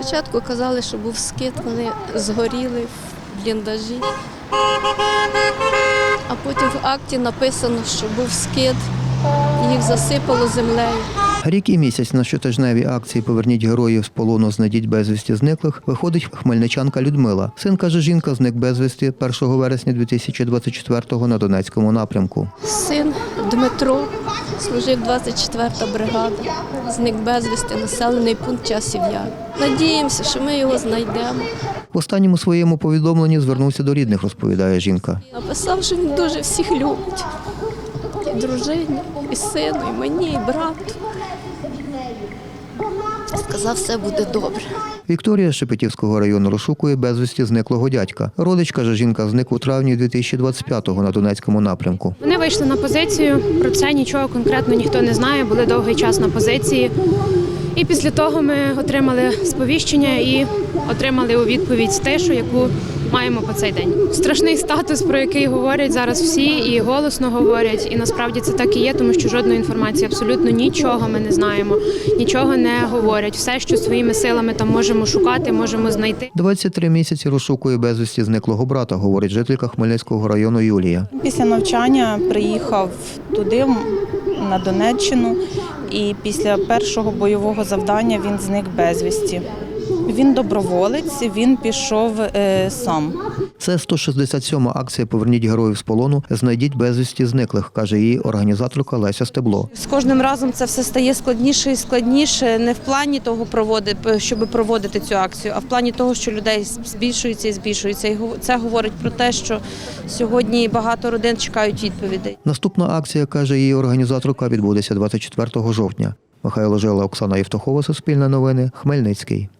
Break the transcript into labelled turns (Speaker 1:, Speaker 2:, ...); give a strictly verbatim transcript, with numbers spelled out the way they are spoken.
Speaker 1: Спочатку казали, що був скид, вони згоріли в бліндажі, а потім в акті написано, що був скид, їх засипало землею.
Speaker 2: Рік і місяць на щотижневій акції «Поверніть героїв з полону, знайдіть безвісті зниклих» виходить хмельничанка Людмила. Син, каже жінка, зник безвісті першого вересня дві тисячі двадцять четвертого на Донецькому напрямку.
Speaker 1: Син Дмитро, служив двадцять четверта бригада, зник безвісти, населений пункт Часів Яр. Надіємося, що ми його знайдемо.
Speaker 2: В останньому своєму повідомленні звернувся до рідних, розповідає жінка.
Speaker 1: Написав, що він дуже всіх любить. І дружині, і сину, і мені, і брату. Сказав, все буде добре.
Speaker 2: Вікторія з Шепетівського району розшукує безвісті зниклого дядька. Родич, каже жінка, зник у травні дві тисячі двадцять п'ятого на Донецькому напрямку.
Speaker 3: Вони вийшли на позицію, про це нічого конкретно ніхто не знає, були довгий час на позиції. І після того ми отримали сповіщення і отримали у відповідь тишу, яку маємо по цей день. Страшний статус, про який говорять зараз всі, і голосно говорять, і насправді це так і є, тому що жодної інформації, абсолютно нічого ми не знаємо, нічого не говорять. Все, що своїми силами там можемо шукати, можемо знайти.
Speaker 2: двадцять три місяці розшукує безвісті зниклого брата, говорить жителька Хмельницького району Юлія.
Speaker 4: Після навчання приїхав туди, на Донеччину, і після першого бойового завдання він зник безвісті. Він доброволець, він пішов е, сам.
Speaker 2: Це сто шістдесят сьома акція «Поверніть героїв з полону, знайдіть безвісті зниклих», каже її організаторка Леся Стебло.
Speaker 5: З кожним разом це все стає складніше і складніше, не в плані того, проводити, щоб проводити цю акцію, а в плані того, що людей збільшується і збільшується. І це говорить про те, що сьогодні багато родин чекають відповідей.
Speaker 2: Наступна акція, каже її організаторка, відбудеться двадцять четвертого жовтня. Михайло Жила, Оксана Євтухова, Суспільне новини, Хмельницький.